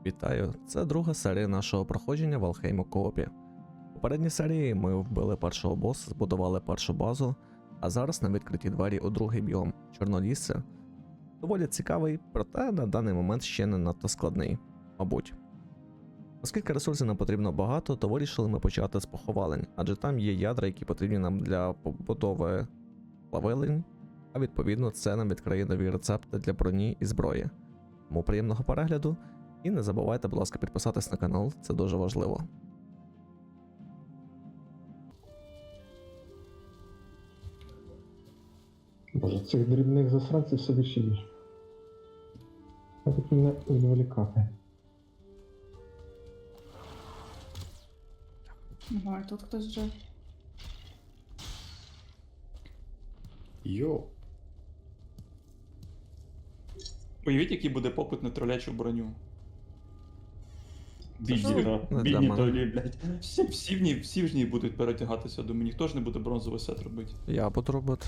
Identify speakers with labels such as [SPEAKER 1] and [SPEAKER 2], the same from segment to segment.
[SPEAKER 1] Вітаю! Це друга серія нашого проходження в Алхейму Коопі. У попередній серії ми вбили першого боса, збудували першу базу, а зараз на відкриті двері у другий біом Чорнолісся. Доволі цікавий, проте на даний момент ще не надто складний, мабуть. Оскільки ресурсів нам потрібно багато, то вирішили ми почати з поховалень, адже там є ядра, які потрібні нам для побудови плавилень, а відповідно це нам відкриє нові рецепти для броні і зброї. Тому приємного перегляду. І не забувайте, будь ласка, підписатись на канал, це дуже важливо.
[SPEAKER 2] Боже, цих дрібних засранців все більше і більше. А тут мене відволікати.
[SPEAKER 3] Ага, і тут хтось вже.
[SPEAKER 4] Йо.
[SPEAKER 5] Уявіть, який буде попит на тролячу броню. Бідні,
[SPEAKER 1] Не для
[SPEAKER 5] бідні
[SPEAKER 1] мене.
[SPEAKER 5] тролі, блядь. Всі в ній будуть перетягатися до мене. Ніхто ж не буде бронзовий сет робити.
[SPEAKER 1] Я буду робити.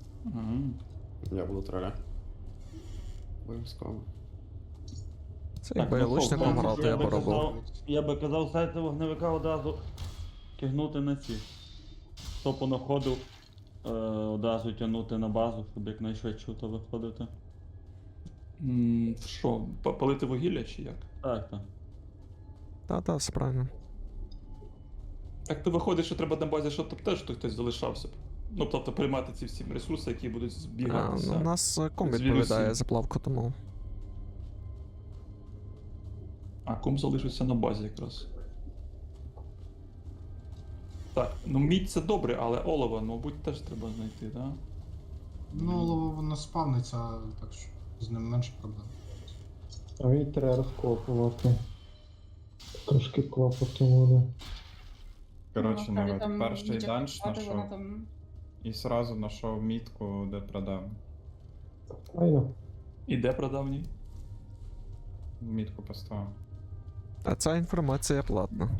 [SPEAKER 4] Я буду троля. Обов'язково.
[SPEAKER 1] Це якби я лучником грав, то я б робив.
[SPEAKER 6] Я би казав сети вогневика одразу кигнути на ці. Хто понаходив, одразу тягнути на базу, щоб якнайшвидше то виходити.
[SPEAKER 5] Що, палити вугілля чи як?
[SPEAKER 6] Так, так.
[SPEAKER 1] Та, все правильно.
[SPEAKER 5] Так то виходить, що треба на базі, щоб теж хтось залишався б. Ну, тобто приймати ці всі ресурси, які будуть збігатися.
[SPEAKER 1] У нас ком
[SPEAKER 5] з
[SPEAKER 1] відповідає
[SPEAKER 5] вірусів.
[SPEAKER 1] за плавку, тому.
[SPEAKER 5] А ком залишився на базі якраз. Так, ну мідь це добре, але олово, мабуть, теж треба знайти, так? Да?
[SPEAKER 7] Ну, олово воно спавниться, так що з ним менше проблем.
[SPEAKER 2] А мені треба розкопувати. Трошки клопоту буде.
[SPEAKER 3] Ну,
[SPEAKER 8] Коротше, народ,
[SPEAKER 3] там
[SPEAKER 8] перший
[SPEAKER 3] Мітя
[SPEAKER 8] данж
[SPEAKER 3] купати, вона
[SPEAKER 8] знайшов
[SPEAKER 3] там.
[SPEAKER 8] і сразу знайшов мітку, де продав.
[SPEAKER 2] Айно.
[SPEAKER 5] І де прадавній?
[SPEAKER 8] Мітку поставив.
[SPEAKER 1] А ця інформація платна.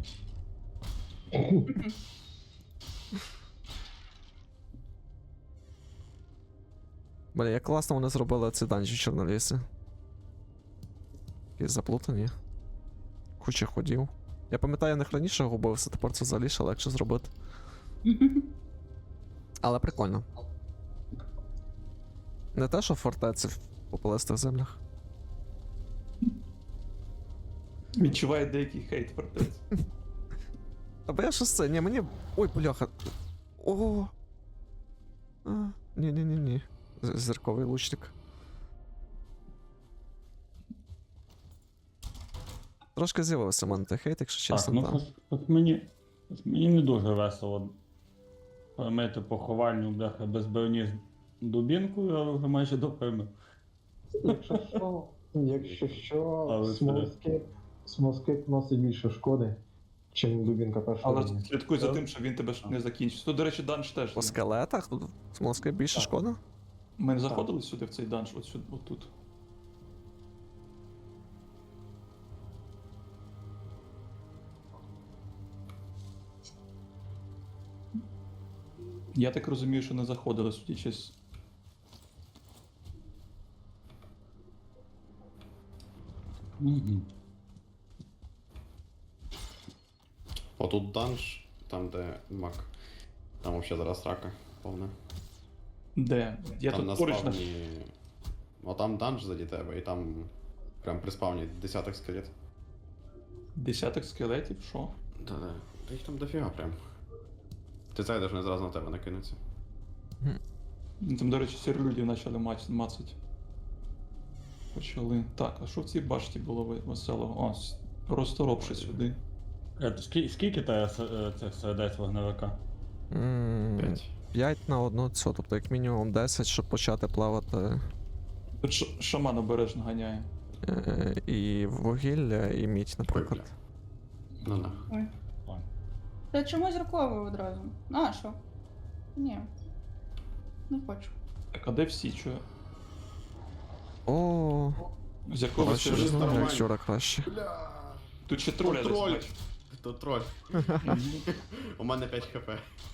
[SPEAKER 1] Бля, як класно вони зробили ці данжі в Чорнолісі. Якісь заплутані. Куча ходів. Я пам'ятаю, я них раніше губився, тепер це взагалі ще легше зробити. Але прикольно. Не те, що в фортеці в попелистих землях.
[SPEAKER 5] Відчуває деякий хейт фортець.
[SPEAKER 1] Або я щось це, ні, мені. Ой, бляха. О. Ні. Зірковий лучник. Трошки з'явився в мене той хейт, якщо
[SPEAKER 6] Так,
[SPEAKER 1] чесно,
[SPEAKER 6] ну
[SPEAKER 1] там.
[SPEAKER 6] мені не дуже весело перемити поховальню, бляха, без броні з дубінкою, але вже майже допимив.
[SPEAKER 2] Якщо що,
[SPEAKER 6] Але
[SPEAKER 2] смолскип носить більше шкоди, чим дубінка першого
[SPEAKER 5] Але
[SPEAKER 2] рівня.
[SPEAKER 5] слідкуй за тим, щоб він тебе не закінчив. Тут, до речі, данж теж.
[SPEAKER 1] По
[SPEAKER 5] є.
[SPEAKER 1] скелетах тут смолоски більше
[SPEAKER 5] Так.
[SPEAKER 1] шкода?
[SPEAKER 5] Ми не заходили сюди в цей данж, от сюди, от тут. Я так розумію, що не заходили, судячи з...
[SPEAKER 6] Угу.
[SPEAKER 4] Отут данж, там де мак. Там вообще зараз рака повна.
[SPEAKER 5] Де? Я
[SPEAKER 4] Там на
[SPEAKER 5] тут поруч на...
[SPEAKER 4] спавні. О, там данж заді тебе, і там прям при спавні десяток скелет.
[SPEAKER 5] Десяток скелетів, що?
[SPEAKER 4] Да. Та їх там дофіга прям. Ти зайдеш, не зразу на тебе накинуться.
[SPEAKER 5] Ну, там, до речі, сірлюдів почали мацать. Почали. Так, а що в цій башті було веселого? О, розторопши сюди.
[SPEAKER 6] Скільки тебе цих сердець вогневика?
[SPEAKER 4] 5.
[SPEAKER 1] 5 на 1 цю, тобто як мінімум 10, щоб почати плавати
[SPEAKER 5] Тут шаман обережно ганяє.
[SPEAKER 1] і вугілля, і мідь, наприклад.
[SPEAKER 4] Ну на.
[SPEAKER 3] Ой. Та чому зірковий одразу? А, що? Ні. Не хочу.
[SPEAKER 5] Так, а де всі? Чо?
[SPEAKER 1] О,
[SPEAKER 5] З якого
[SPEAKER 1] краще
[SPEAKER 5] це
[SPEAKER 1] ж
[SPEAKER 5] вже
[SPEAKER 1] знаю, як
[SPEAKER 4] нормально.
[SPEAKER 1] вчора краще.
[SPEAKER 5] Тут ще троля десь
[SPEAKER 4] Троль.
[SPEAKER 5] бачу.
[SPEAKER 4] То троль. У мене 5 хп.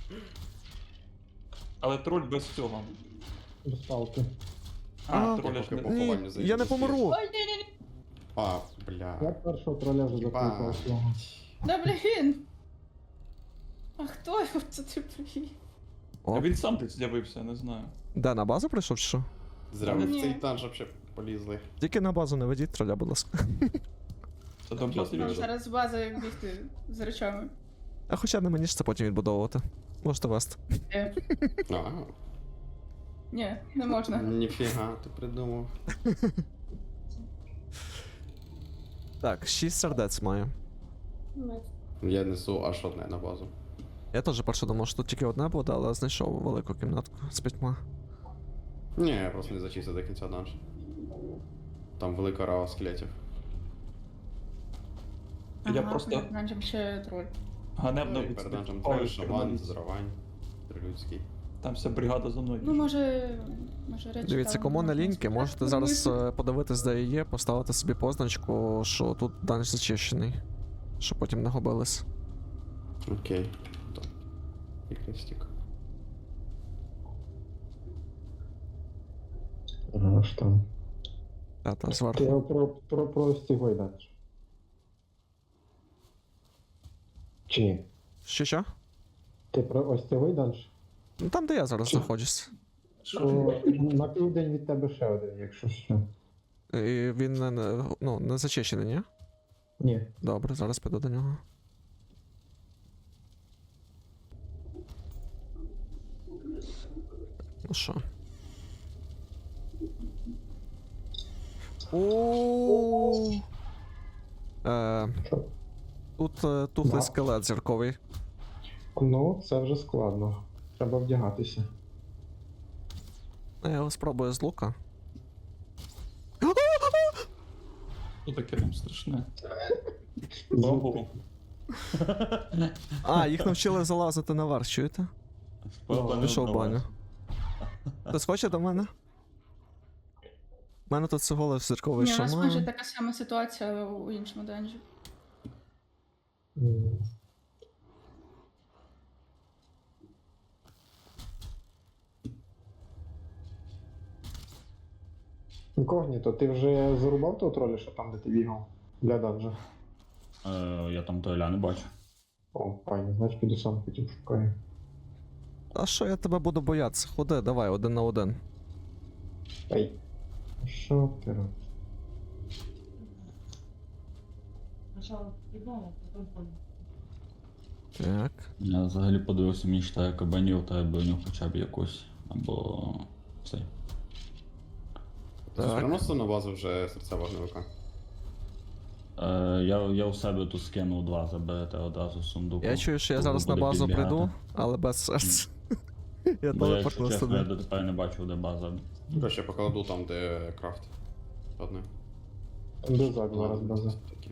[SPEAKER 5] Але троль без цього.
[SPEAKER 2] Без палки.
[SPEAKER 5] А, троля ж
[SPEAKER 4] поки
[SPEAKER 5] не...
[SPEAKER 4] поховальню
[SPEAKER 1] Ні,
[SPEAKER 4] зайду,
[SPEAKER 1] я не
[SPEAKER 4] успієш.
[SPEAKER 1] помру.
[SPEAKER 3] Ой, ні.
[SPEAKER 4] А, блін. Бля.
[SPEAKER 2] Я першого троля вже закликав
[SPEAKER 4] Єбать.
[SPEAKER 2] свого.
[SPEAKER 3] Да блін! А хто його це ти привів?
[SPEAKER 5] А
[SPEAKER 1] О,
[SPEAKER 5] він сам тут з'явився, я не знаю.
[SPEAKER 1] де на базу прийшов чи що?
[SPEAKER 4] Зря ви в
[SPEAKER 3] Ні.
[SPEAKER 4] цей данж вообще полізли.
[SPEAKER 1] Тільки на базу не ведіть троля, будь ласка.
[SPEAKER 5] Це там
[SPEAKER 4] Ясно.
[SPEAKER 3] Нам
[SPEAKER 5] бачив.
[SPEAKER 3] зараз з бази бігти з речами.
[SPEAKER 1] А хоча не мені ж це потім відбудовувати. Можете вести.
[SPEAKER 4] А,
[SPEAKER 3] Ні, не можна.
[SPEAKER 4] ніфіга, ти придумав.
[SPEAKER 1] Так, 6 сердець маю.
[SPEAKER 4] Я несу аж одне на базу.
[SPEAKER 1] Я теж перше думав, що тут тільки одне буде, але знайшов велику кімнатку з 5.
[SPEAKER 4] Ні, я просто не зачистив до кінця данж. Там велика рава скелетів.
[SPEAKER 5] Я просто
[SPEAKER 3] Нам ще троль.
[SPEAKER 5] ганебно
[SPEAKER 4] Ну, і перед данжем троль,
[SPEAKER 5] відступаю,
[SPEAKER 4] шаман, зравань, тролюдський.
[SPEAKER 5] Там вся бригада за мною.
[SPEAKER 3] Ну, може речі.
[SPEAKER 1] Дивіться,
[SPEAKER 3] там
[SPEAKER 1] кому не
[SPEAKER 3] можна
[SPEAKER 1] ліньки,
[SPEAKER 3] спитати,
[SPEAKER 1] можете
[SPEAKER 3] ну,
[SPEAKER 1] зараз
[SPEAKER 3] ми-
[SPEAKER 1] подивитись, де є, поставити собі позначку, що тут данж зачищений. Щоб потім не губились.
[SPEAKER 4] Окей. Так. І крестик.
[SPEAKER 2] Аж там.
[SPEAKER 1] Та
[SPEAKER 2] Ти
[SPEAKER 1] зверху.
[SPEAKER 2] його про ось цього йдеш. Чи ні?
[SPEAKER 1] Що?
[SPEAKER 2] Ти про ось цього йдеш?
[SPEAKER 1] Ну там, де я зараз знаходжусь.
[SPEAKER 2] То на південь від тебе ще один, якщо що.
[SPEAKER 1] І він не зачищений, ні?
[SPEAKER 2] Ні.
[SPEAKER 1] Добре, зараз піду до нього. Ну що? О.
[SPEAKER 2] Що?
[SPEAKER 1] Тут тухлий
[SPEAKER 2] Да.
[SPEAKER 1] скелет зірковий.
[SPEAKER 2] Ну, це вже складно. Треба вдягатися.
[SPEAKER 1] Я його спробую з лука.
[SPEAKER 5] Що таке там страшне? Ого.
[SPEAKER 1] А, їх навчили залазити наверх, чуєте?
[SPEAKER 6] Спроба не
[SPEAKER 1] Пішов в баню.
[SPEAKER 6] вдалась.
[SPEAKER 1] Хтось хоче до мене? У мене тут всього лиш зірковий
[SPEAKER 3] Ні, у нас майже
[SPEAKER 1] шаман.
[SPEAKER 3] така сама ситуація у іншому данжі.
[SPEAKER 2] М. Інкогніто, ти вже зарубав того троля, що там, де ти бігав? Для данжа.
[SPEAKER 6] Я там троля не бачу.
[SPEAKER 2] О, файно, значить піду сам потім шукаю.
[SPEAKER 1] А що я тебе буду боятися? Ходи, давай, 1 на 1.
[SPEAKER 2] Ей. Що ти робиш?
[SPEAKER 1] Так.
[SPEAKER 6] Я взагалі подивився, мені читає кабанів та броню хоча б якусь. Або цей.
[SPEAKER 4] Ти
[SPEAKER 1] Так.
[SPEAKER 4] приносив на базу вже серця вогневика?
[SPEAKER 6] Я у себе тут скинув 2, заберете одразу з сундуку.
[SPEAKER 1] Я чую, що я
[SPEAKER 6] Коли
[SPEAKER 1] зараз на
[SPEAKER 6] буде
[SPEAKER 1] базу
[SPEAKER 6] підбігати.
[SPEAKER 1] прийду, але без серця. Я
[SPEAKER 6] Бо я, якщо
[SPEAKER 1] телепортнув
[SPEAKER 6] чесно, я
[SPEAKER 1] сюди.
[SPEAKER 6] дотепер не бачив, де база.
[SPEAKER 4] Я ще покладу там, де крафт. Одне.
[SPEAKER 2] Де зад зараз база?
[SPEAKER 4] Такі.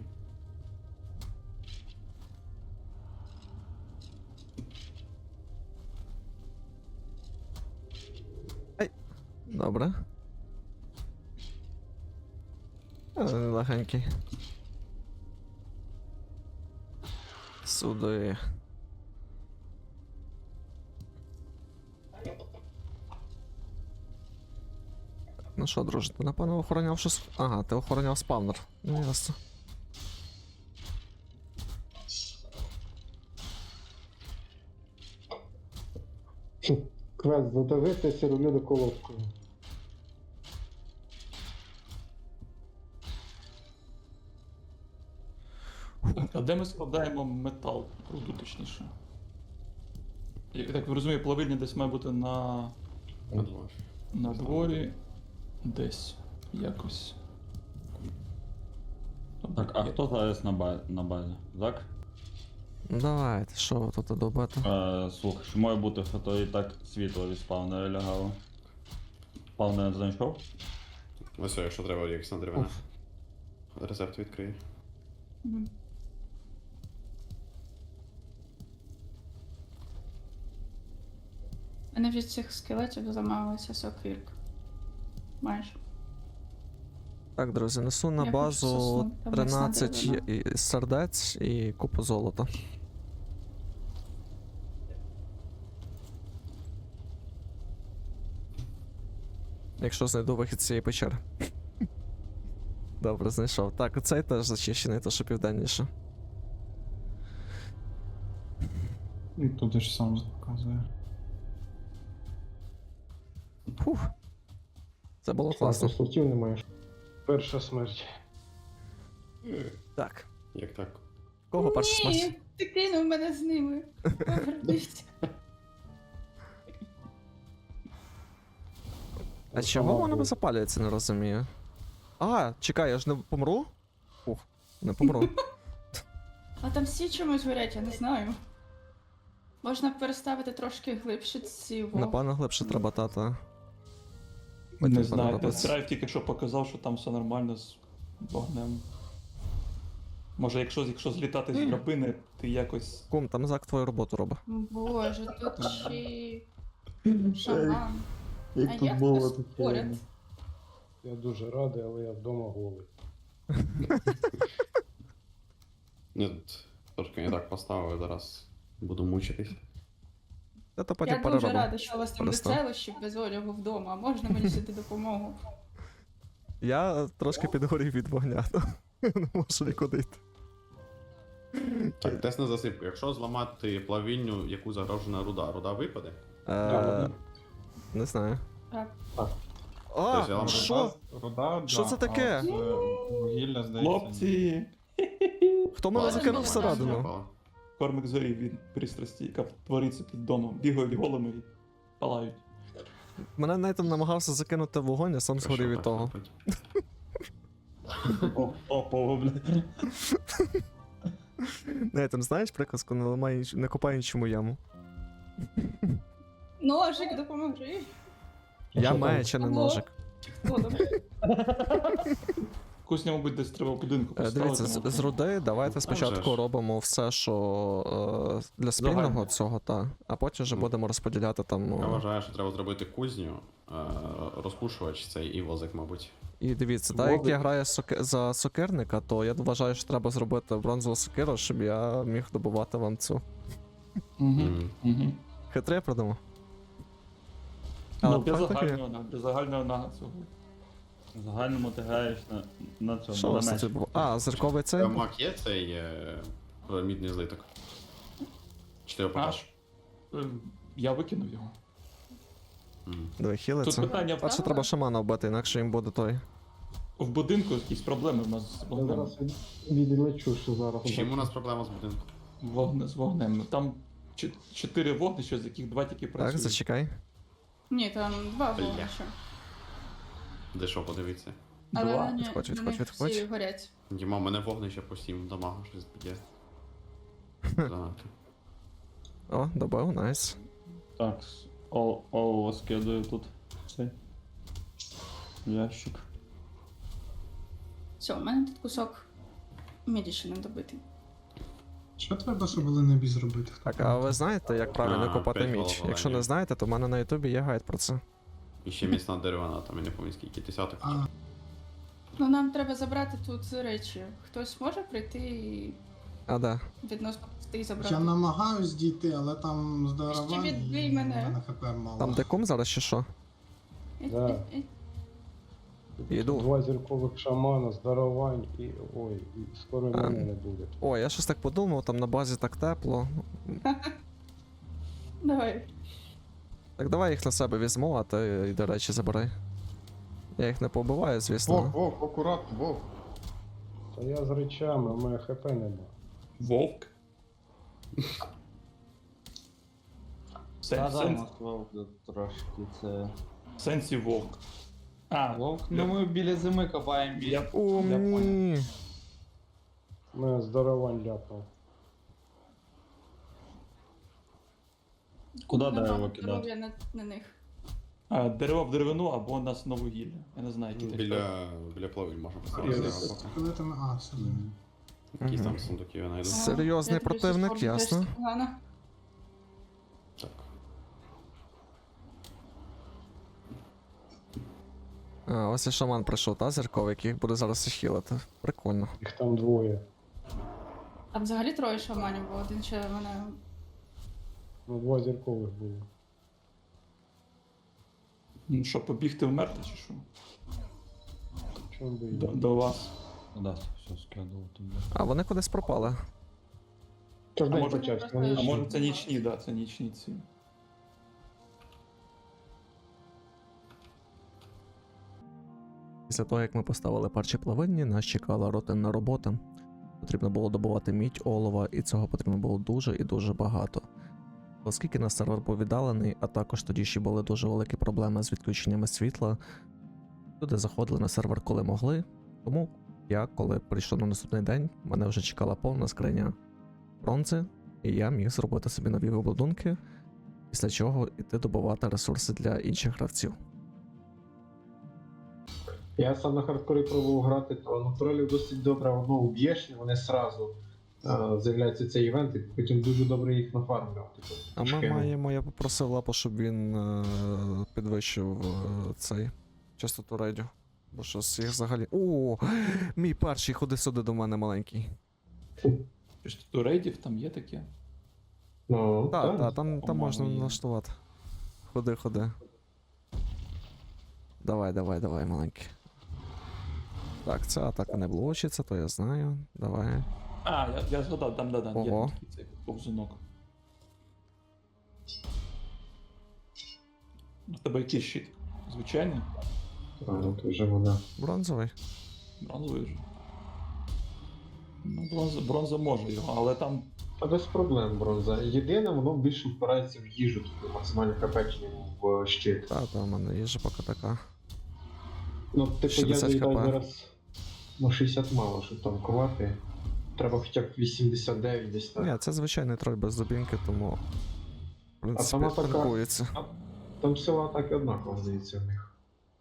[SPEAKER 1] Добре. Легенький. Сюди. Ну що, друже, ти напевно охороняв щось. Ага, ти охороняв спавнер. Ну ясно.
[SPEAKER 2] Квест задавити сіролюди колодкою.
[SPEAKER 5] А де ми складаємо метал? Руду точніше. Я так розумію, плавильня десь має бути на дворі. Десь. Якось.
[SPEAKER 6] Так, а хто зараз на базі? Зак?
[SPEAKER 1] Ну давайте, що ви тут добити?
[SPEAKER 6] Слухай, що має бути, що то і так світло від спавнера лягало. Спавнер знайшов?
[SPEAKER 4] Ось, якщо треба, якась на деревина. Рецепт відкриє.
[SPEAKER 3] Мгм. Мене від цих скелетів замалася сокирка. Майже.
[SPEAKER 1] Так, друзі, несу на
[SPEAKER 3] Я хочу
[SPEAKER 1] базу
[SPEAKER 3] сосну, там
[SPEAKER 1] 13
[SPEAKER 3] м'ясна
[SPEAKER 1] сердець і купу золота. Якщо знайду вихід з цієї печери. Добре, знайшов. Так, оцей теж зачищений, то що південніше.
[SPEAKER 8] І туди ж сам показує.
[SPEAKER 1] Фух. Це було класно.
[SPEAKER 2] Слотів немає. Перша смерть.
[SPEAKER 1] Так.
[SPEAKER 4] Як так?
[SPEAKER 1] Кого перша смерть?
[SPEAKER 3] Ні, ти кинув мене з ними. Повернись.
[SPEAKER 1] А чого воно не запалюється, не розумію. А, чекай, я ж не помру? Фух, не помру.
[SPEAKER 3] А там всі чомусь горять, я не знаю. Можна переставити трошки глибше ці вогни.
[SPEAKER 1] Напевно, глибше треба тата.
[SPEAKER 5] Не знаю, тест-драйв тільки що показав, що там все нормально з вогнем. Може, якщо злітати з драбини, ти якось.
[SPEAKER 1] Кум, там Зак твою роботу робить.
[SPEAKER 3] Боже, тут ще й шаман. А як хтось поряд?
[SPEAKER 2] Я дуже радий, але я вдома голий.
[SPEAKER 4] Ні, трошки не так поставив, зараз буду мучитись.
[SPEAKER 1] Я то потім
[SPEAKER 3] Я дуже
[SPEAKER 1] переробимо.
[SPEAKER 3] рада, що у вас там
[SPEAKER 1] Перестав.
[SPEAKER 3] веселощі без одягу вдома. Можна мені сюди допомогу?
[SPEAKER 1] Я трошки підгорів від вогня, то не можу нікуди йти.
[SPEAKER 4] Так, тест на засипку. Якщо зламати плавільню, яку загрожена руда випаде?
[SPEAKER 1] Не знаю.
[SPEAKER 3] Так.
[SPEAKER 1] А,
[SPEAKER 4] Тобто я
[SPEAKER 1] що?
[SPEAKER 8] Руда,
[SPEAKER 1] Що
[SPEAKER 8] да,
[SPEAKER 1] це таке?
[SPEAKER 8] а от, вугілля, здається.
[SPEAKER 5] Хлопці!
[SPEAKER 1] Хто мене
[SPEAKER 3] Ладно,
[SPEAKER 1] закинув
[SPEAKER 3] добре,
[SPEAKER 1] всередину?
[SPEAKER 4] Випало.
[SPEAKER 5] Кормик зорі від пристрасті, яка твориться під домом. Бігають голими і палають.
[SPEAKER 1] Мене Нейтан намагався закинути в вогонь, я сам
[SPEAKER 4] Що
[SPEAKER 1] згорів від
[SPEAKER 4] так
[SPEAKER 1] того.
[SPEAKER 4] робить?
[SPEAKER 6] Топово, блядь.
[SPEAKER 1] Нейтан, знаєш приказку, не ламай, не копай нічому яму.
[SPEAKER 3] Ножик, допоможи.
[SPEAKER 1] Я
[SPEAKER 2] що
[SPEAKER 1] маю
[SPEAKER 2] там?
[SPEAKER 1] чи не
[SPEAKER 3] Ого.
[SPEAKER 1] ножик.
[SPEAKER 3] Хто там?
[SPEAKER 5] Кусня, мабуть, десь треба в будинку поставити.
[SPEAKER 1] Дивіться, з руди давайте
[SPEAKER 4] Там
[SPEAKER 1] спочатку
[SPEAKER 4] же ж.
[SPEAKER 1] робимо все, що для спільного
[SPEAKER 5] Загально.
[SPEAKER 1] цього, а потім вже будемо розподіляти там.
[SPEAKER 4] Я вважаю, що треба зробити кузню, розпушувач цей і возик, мабуть.
[SPEAKER 1] І дивіться, так як я граю за сокирника, то я вважаю, що треба зробити бронзову сокиру, щоб я міг добувати вам цю.
[SPEAKER 4] Мгм.
[SPEAKER 1] Хитре я придумав.
[SPEAKER 5] Ну,
[SPEAKER 1] Але
[SPEAKER 5] без
[SPEAKER 1] факт такий.
[SPEAKER 5] загального нага цього.
[SPEAKER 6] В загальному ти граєш на цьому.
[SPEAKER 1] Що у вас
[SPEAKER 6] на
[SPEAKER 1] тут
[SPEAKER 6] мечі.
[SPEAKER 1] було? А, зірковий цей?
[SPEAKER 4] Мак є цей мідний злиток? Чи ти його покажеш?
[SPEAKER 5] Я викинув його.
[SPEAKER 4] Мгм.
[SPEAKER 1] Диви,
[SPEAKER 5] Тут
[SPEAKER 1] хілиться.
[SPEAKER 5] питання
[SPEAKER 1] Перше треба шамана вбити, інакше їм буде той.
[SPEAKER 5] в будинку якісь проблеми в нас з
[SPEAKER 2] Я
[SPEAKER 5] вогнем.
[SPEAKER 2] зараз відлечу, що зараз.
[SPEAKER 4] Чим у нас проблема з будинком?
[SPEAKER 5] З вогнем. Там 4 вогнища, з яких 2 тільки
[SPEAKER 1] Так,
[SPEAKER 5] працюють.
[SPEAKER 1] зачекай.
[SPEAKER 3] Ні, там два
[SPEAKER 4] Бля.
[SPEAKER 3] вогнища.
[SPEAKER 4] Де що, подивіться.
[SPEAKER 3] Але
[SPEAKER 5] Два.
[SPEAKER 3] на ні-
[SPEAKER 1] Відходь,
[SPEAKER 3] на
[SPEAKER 1] відходь,
[SPEAKER 3] них
[SPEAKER 1] відходь.
[SPEAKER 3] всі горять.
[SPEAKER 4] Діма, у мене вогнище по 7 дамагу щось б'є. Занадто.
[SPEAKER 1] О, добив, найс.
[SPEAKER 6] Так, олово скидаю тут. Цей. Ящик.
[SPEAKER 3] Все, у мене тут кусок міді ще не добитий.
[SPEAKER 7] Що треба, щоб Ленебі зробити?
[SPEAKER 1] Так, а ви знаєте, як правильно
[SPEAKER 4] А,
[SPEAKER 1] копати
[SPEAKER 4] п'ять
[SPEAKER 1] міч?
[SPEAKER 4] головоломів.
[SPEAKER 1] Якщо не знаєте, то в мене на ютубі є гайд про це.
[SPEAKER 4] І ще міцна деревина, там я не пам'ятаю скільки десяток.
[SPEAKER 7] А,
[SPEAKER 3] Ну нам треба забрати тут речі. Хтось може прийти і
[SPEAKER 1] А, да.
[SPEAKER 3] відносно пустий забрати?
[SPEAKER 7] я намагаюсь дійти, але там здоровань
[SPEAKER 3] Ще відбий
[SPEAKER 7] і
[SPEAKER 3] мене.
[SPEAKER 7] в мене хп мало.
[SPEAKER 1] Там де кум зараз чи що?
[SPEAKER 2] Да. Йду.
[SPEAKER 1] Йду.
[SPEAKER 2] 2 зіркових шамана, здарувань і. Ой, і скоро і мене не буде.
[SPEAKER 1] О, я щось так подумав, там на базі так тепло.
[SPEAKER 3] Давай.
[SPEAKER 1] Так давай їх на себе візьму, а ти йди речі забирай. Я їх не побиваю, звісно.
[SPEAKER 8] Вовк, акуратно, вовк.
[SPEAKER 2] Та я з речами, у мене хп нема.
[SPEAKER 5] Вовк.
[SPEAKER 6] Та да, у
[SPEAKER 5] Сенсі
[SPEAKER 6] нас вовк трошки це.
[SPEAKER 5] сенсі вовк. А,
[SPEAKER 6] Вовк? Ну ми біля зими копаємо біля.
[SPEAKER 5] Я
[SPEAKER 1] Умні.
[SPEAKER 2] У мене здарувань ляпнув.
[SPEAKER 6] Куди
[SPEAKER 3] Нема
[SPEAKER 6] дерево кидати?
[SPEAKER 3] здоров'я на них.
[SPEAKER 5] дерево в деревину або нас на вугілля. Я не знаю, які
[SPEAKER 4] Біля плавиль можна поставити.
[SPEAKER 2] Я
[SPEAKER 4] дерева поки.
[SPEAKER 7] Скелетами, а, все.
[SPEAKER 4] Якісь там сундуки я знайду.
[SPEAKER 1] Серйозний
[SPEAKER 3] Я тобі
[SPEAKER 1] противник,
[SPEAKER 3] щось можу
[SPEAKER 1] ясно.
[SPEAKER 3] теж погано.
[SPEAKER 4] Так.
[SPEAKER 1] А, ось і шаман прийшов, та зірковий, який їх буде зараз хілити. Прикольно.
[SPEAKER 2] Їх там двоє.
[SPEAKER 3] Там взагалі троє шаманів, бо один ще мене.
[SPEAKER 2] Ну, 2 зіркових було.
[SPEAKER 5] Ну що, побігти вмерти чи що? До вас.
[SPEAKER 6] Да, все скидував туди.
[SPEAKER 1] А вони кудись пропали.
[SPEAKER 2] Тож
[SPEAKER 5] А
[SPEAKER 2] день
[SPEAKER 5] може-
[SPEAKER 2] почався.
[SPEAKER 3] просто-
[SPEAKER 2] вони
[SPEAKER 5] А
[SPEAKER 2] йшли.
[SPEAKER 5] може це нічні, да, це нічні ці.
[SPEAKER 1] Після того, як ми поставили перші плавильні, нас чекала рутинна робота. Потрібно було добувати мідь, олова, і цього потрібно було дуже і дуже багато. Оскільки наш сервер був віддалений, а також тоді ще були дуже великі проблеми з відключеннями світла, люди заходили на сервер коли могли. Тому я, коли прийшов на наступний день, мене вже чекала повна скриня бронзи, і я міг зробити собі нові обладунки, після чого йти добувати ресурси для інших гравців.
[SPEAKER 2] Я сам на хардкорі пробував грати, то натуралів досить добре воно уб'єш, і вони сразу з'являється цей івент, і потім дуже добре їх нафармлював. Типу,
[SPEAKER 1] А ми
[SPEAKER 2] шкеми.
[SPEAKER 1] маємо, я попросив Лапу, щоб він підвищив цей частоту рейдів. Бо щось їх взагалі. О, мій перший, ходи сюди до мене маленький.
[SPEAKER 5] Частоту рейдів там є таке.
[SPEAKER 2] Ну,
[SPEAKER 1] Так,
[SPEAKER 2] так.
[SPEAKER 1] там
[SPEAKER 5] По-моєму,
[SPEAKER 1] можна
[SPEAKER 5] є.
[SPEAKER 1] налаштувати. Ходи, ходи. Давай, маленький. Так, ця атака не блочиться, то я знаю. Давай.
[SPEAKER 5] А, я згадав, там, да, є
[SPEAKER 1] Ого.
[SPEAKER 5] там такий цей повзунок. У тебе який щит? Звичайний?
[SPEAKER 2] Ну, то вже вона.
[SPEAKER 1] Бронзовий.
[SPEAKER 5] Бронзовий вже. Ну, бронза може його, але там.
[SPEAKER 2] Та без проблем бронза. Єдине, воно більше впирається в їжу, тобто максимально хапечення в щит.
[SPEAKER 1] Та, в мене їжа поки така.
[SPEAKER 2] Ну, типу, я
[SPEAKER 1] 60
[SPEAKER 2] заїдаю
[SPEAKER 1] хп.
[SPEAKER 2] зараз на 60 мало, щоб танкувати. Треба хоча б 89 десь так.
[SPEAKER 1] Ні, це звичайний троль без зубінки, тому. В принципі,
[SPEAKER 2] сама така-
[SPEAKER 1] танкується.
[SPEAKER 2] Там сила атаки однаково, здається, в них.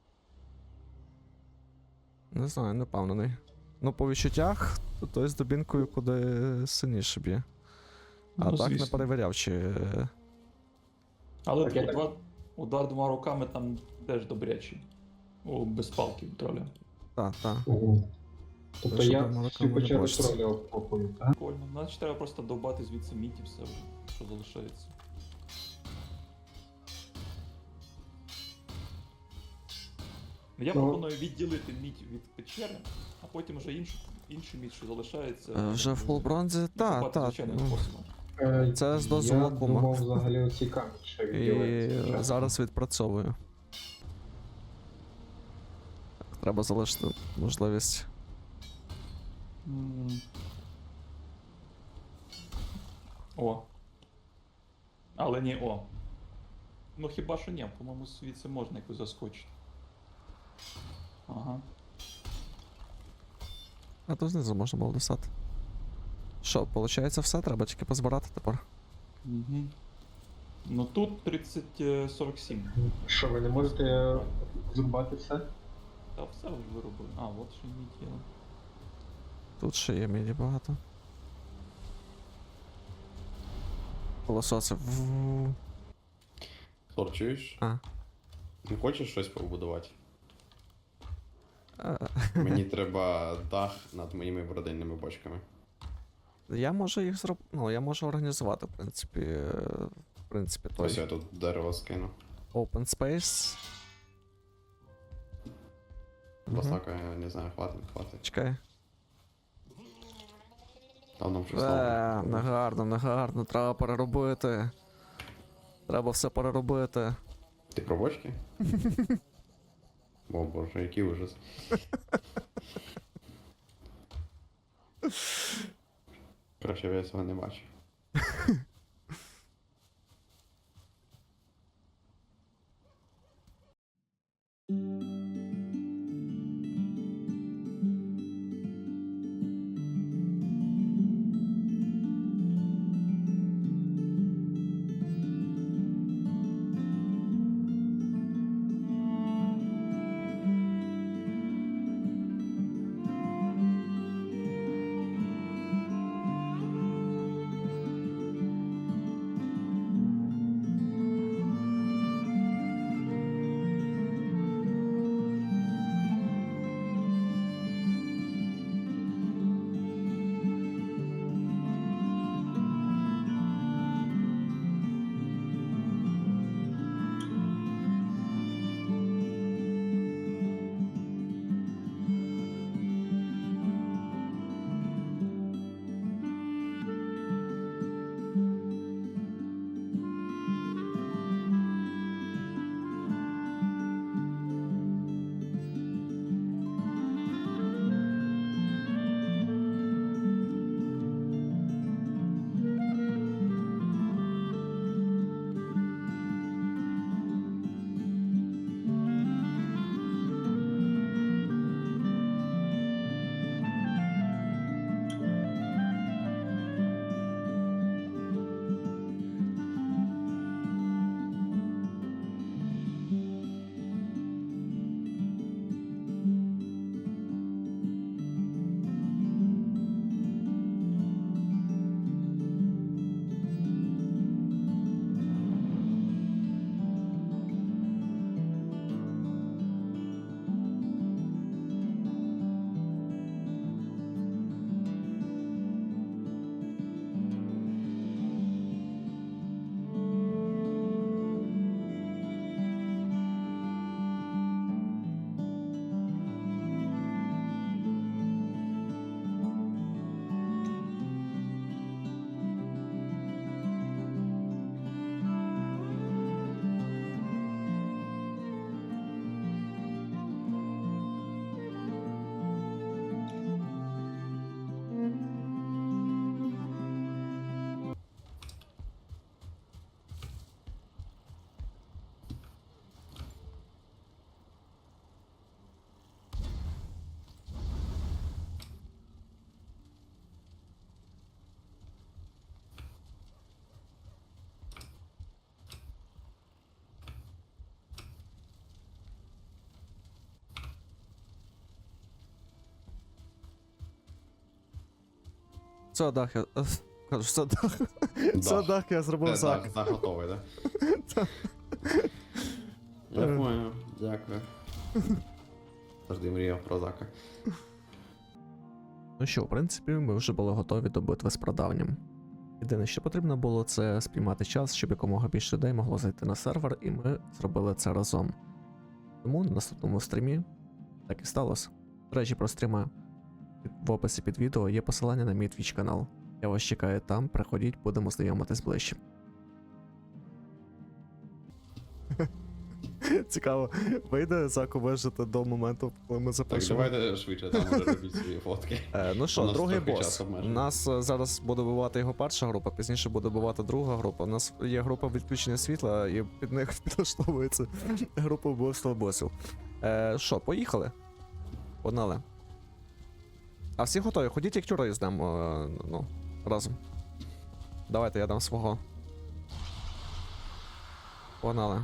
[SPEAKER 1] Не знаю, не впевнений. Ну, по відчуттях, то той з дубінкою куди сильніше б'є. А
[SPEAKER 5] Ну,
[SPEAKER 1] так не
[SPEAKER 5] звісно.
[SPEAKER 1] перевіряв, чи.
[SPEAKER 5] Але
[SPEAKER 2] Так, я так-
[SPEAKER 5] удар двома руками там теж добрячий. О, без палки троля.
[SPEAKER 1] Та.
[SPEAKER 2] Угу. Тобто
[SPEAKER 1] Те, що
[SPEAKER 2] я
[SPEAKER 1] там молока
[SPEAKER 2] всю
[SPEAKER 1] не
[SPEAKER 2] печеру
[SPEAKER 1] бачиться.
[SPEAKER 2] троля обкопую, так?
[SPEAKER 5] Прикольно. Значить треба просто довбати звідси мідь і все вже, що залишається. Я
[SPEAKER 2] Ну.
[SPEAKER 5] пропоную відділити мідь від печери, а потім вже іншу мідь, що залишається.
[SPEAKER 1] Вже в фул бронзі? Та,
[SPEAKER 5] копати
[SPEAKER 1] та.
[SPEAKER 5] звичайним
[SPEAKER 1] Ну,
[SPEAKER 5] способом.
[SPEAKER 1] Це з дозволу
[SPEAKER 2] Я
[SPEAKER 1] кума.
[SPEAKER 2] думав взагалі оці камінь ще
[SPEAKER 1] і
[SPEAKER 2] відділити.
[SPEAKER 1] зараз відпрацьовую. Так, треба залишити можливість.
[SPEAKER 5] М. О. Але не о. Ну хіба що ні, по-моєму, звідси можна якось заскочити. Ага.
[SPEAKER 1] А то знизу можна було достати. Що, виходить все? Треба тільки позбирати тепер.
[SPEAKER 5] Угу. Ну тут 30-47.
[SPEAKER 2] Що, ви не можете зрубати все?
[SPEAKER 5] Та все вже виробили. А, от ще мідь є.
[SPEAKER 1] Тут ще є міді багато. Колососи.
[SPEAKER 4] Тор, чуєш?
[SPEAKER 1] А.
[SPEAKER 4] Не хочеш щось побудувати?
[SPEAKER 1] Е,
[SPEAKER 4] Мені треба дах над моїми бродильними бочками.
[SPEAKER 1] Я можу їх зробити. Ну, я можу організувати, в принципі. В принципі,
[SPEAKER 4] Ось
[SPEAKER 1] той
[SPEAKER 4] я тут дерево скину.
[SPEAKER 1] open space.
[SPEAKER 4] Басака, я не знаю, хватить.
[SPEAKER 1] Чекай.
[SPEAKER 4] Там нам щось нове.
[SPEAKER 1] Негарно, треба переробити. Треба все переробити.
[SPEAKER 4] Ти про бочки? О боже, який ужас. Краще б я цього не бачив.
[SPEAKER 1] Все, дах, я. Кажу, все, дах. Все,
[SPEAKER 4] Дах.
[SPEAKER 1] дах, я зробив зак.
[SPEAKER 4] Так, готовий, да? Я понял, дякую. Завжди мріяв про зака.
[SPEAKER 1] Ну що, в принципі, ми вже були готові до битви з прадавнім. Єдине, що потрібно було, це спіймати час, щоб якомога більше людей могло зайти на сервер, і ми зробили це разом. Тому на наступному стрімі так і сталося. До речі, про стріми. В описі під відео є посилання на мій Twitch канал. Я вас чекаю там, приходіть, будемо знайомитись ближче. Цікаво, вийде Заку вижити до моменту, коли ми
[SPEAKER 4] Так,
[SPEAKER 1] запишемо.
[SPEAKER 4] давайте швидше, там уже робіть свої фотки.
[SPEAKER 1] Ну
[SPEAKER 4] У
[SPEAKER 1] що,
[SPEAKER 4] нас
[SPEAKER 1] другий
[SPEAKER 4] трохи
[SPEAKER 1] бос.
[SPEAKER 4] часу
[SPEAKER 1] У
[SPEAKER 4] обмежений.
[SPEAKER 1] нас зараз буде бувати його перша група, пізніше буде бувати друга група. У нас є група відключення світла, і під них підлаштовується група вбивства босів. Що, поїхали? Погнали. А всі готові? Ходіть як тюрей здемо, ну, разом. Давайте я дам свого. Погнали.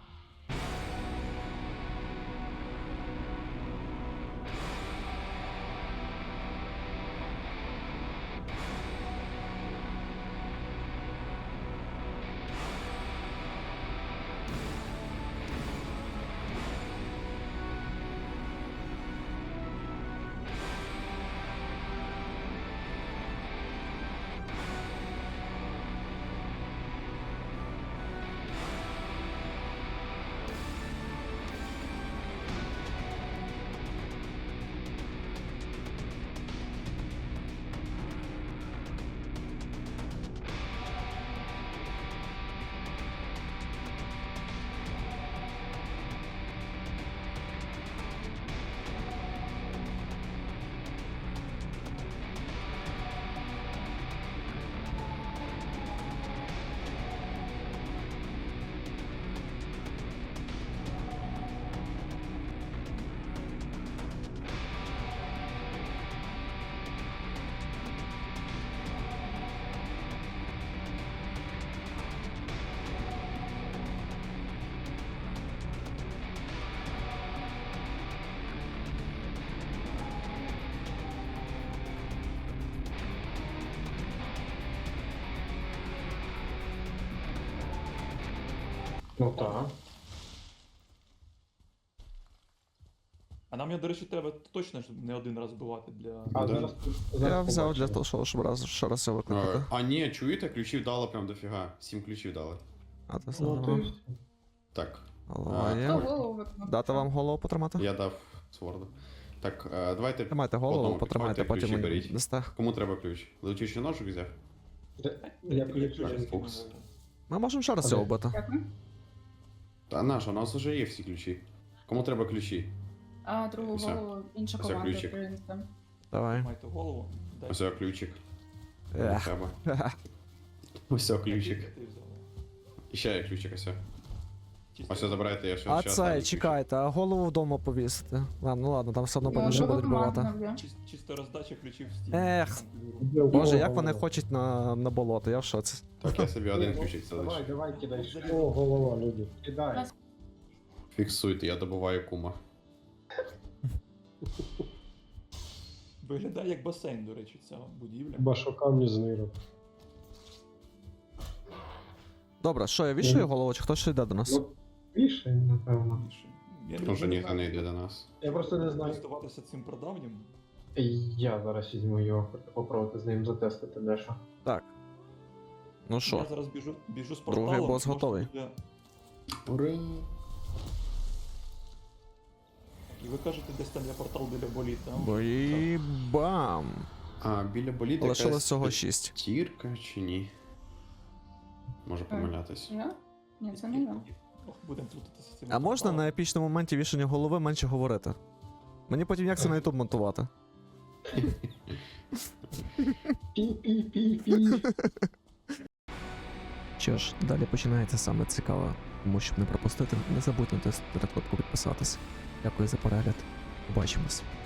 [SPEAKER 2] Ну так.
[SPEAKER 5] А нам, до речі, треба точно ж не один раз бивати для.
[SPEAKER 2] А
[SPEAKER 4] Да.
[SPEAKER 2] зараз,
[SPEAKER 1] Я
[SPEAKER 2] зараз
[SPEAKER 1] взяв
[SPEAKER 2] побачимо.
[SPEAKER 1] для того, щоб ще раз його викликати.
[SPEAKER 4] А ні, чуєте, ключів дали прям дофіга. 7 ключів дали.
[SPEAKER 1] А ти
[SPEAKER 2] Ну,
[SPEAKER 1] здорово.
[SPEAKER 2] то й-
[SPEAKER 4] Так,
[SPEAKER 1] Голова
[SPEAKER 3] Хто
[SPEAKER 1] є.
[SPEAKER 3] голову виконав?
[SPEAKER 1] Дати вам голову потримати?
[SPEAKER 4] я дав сворду. Так, давайте.
[SPEAKER 1] Тримайте голову,
[SPEAKER 4] одному
[SPEAKER 1] потримайте,
[SPEAKER 4] підходьте,
[SPEAKER 1] потім
[SPEAKER 4] ключі
[SPEAKER 1] мені
[SPEAKER 4] беріть.
[SPEAKER 1] дасте.
[SPEAKER 4] Кому треба ключ? Летючий ножик взяв?
[SPEAKER 2] Я ключ.
[SPEAKER 4] Фокс.
[SPEAKER 1] Ми можемо ще раз цього вбити.
[SPEAKER 3] Дякую.
[SPEAKER 4] Та наш, у нас вже є всі ключі. Кому треба ключі?
[SPEAKER 3] А другу
[SPEAKER 4] Все.
[SPEAKER 3] голову інша
[SPEAKER 4] Все,
[SPEAKER 3] команда
[SPEAKER 4] ключик.
[SPEAKER 3] принесла.
[SPEAKER 1] Давай.
[SPEAKER 5] Майте голову. Дай.
[SPEAKER 4] Ось ключик.
[SPEAKER 1] Ех.
[SPEAKER 4] Треба. Ось ключик.
[SPEAKER 5] Ти взяв.
[SPEAKER 4] І ще є ключик, ось.
[SPEAKER 5] Чисто.
[SPEAKER 4] Ось забирайте, я ще
[SPEAKER 1] А
[SPEAKER 4] ще
[SPEAKER 1] це,
[SPEAKER 4] останній
[SPEAKER 1] чекайте, а голову вдома повісити. Ладно, ладно, там все одно потім ще
[SPEAKER 3] Друга
[SPEAKER 1] будуть бивати.
[SPEAKER 3] команда вб'є.
[SPEAKER 5] Чисто роздача ключів в стіл.
[SPEAKER 1] Ех. Боже, як вони хочуть на болото, я в шоці.
[SPEAKER 4] ключик. Так, я собі один ключик
[SPEAKER 2] Давай,
[SPEAKER 4] залишу.
[SPEAKER 2] давай, кидай.
[SPEAKER 6] О, голова, люди.
[SPEAKER 2] Кидай.
[SPEAKER 4] Фіксуйте, я добуваю кума.
[SPEAKER 5] Виглядає як басейн, до речі, ця будівля.
[SPEAKER 6] Хіба що камні з нирок.
[SPEAKER 1] Добре, що, я вішаю голову, чи хтось ще йде до нас?
[SPEAKER 2] Ну, більше, напевно.
[SPEAKER 5] Я
[SPEAKER 4] Може ніхто не йде до нас.
[SPEAKER 2] Я просто не знаю.
[SPEAKER 5] користуватися цим прадавнім.
[SPEAKER 2] Я зараз візьму його, попробувати з ним затестити дещо.
[SPEAKER 1] Так. Ну
[SPEAKER 5] Я
[SPEAKER 1] що,
[SPEAKER 5] зараз біжу з
[SPEAKER 1] Другий
[SPEAKER 5] порталом.
[SPEAKER 1] бос
[SPEAKER 5] можна
[SPEAKER 1] готовий.
[SPEAKER 5] буде-
[SPEAKER 4] Ура!
[SPEAKER 5] І ви кажете, десь там є портал біля боліт, там?
[SPEAKER 1] бої бам!
[SPEAKER 4] А, біля боліта
[SPEAKER 1] Лишилось
[SPEAKER 4] якась
[SPEAKER 1] всього 6.
[SPEAKER 4] тірка чи ні? Можу помилятись.
[SPEAKER 3] Я? Ні, це не я.
[SPEAKER 5] Ох, будемо плутатися з цим.
[SPEAKER 1] А можна на епічному моменті вішання голови менше говорити? Мені потім як це на YouTube монтувати?
[SPEAKER 2] Пі-пі-пі-пі.
[SPEAKER 1] Що ж, далі починається саме цікаве. Тому щоб не пропустити, не забудьте натиснути на кнопку підписатись. Дякую за перегляд. Побачимось.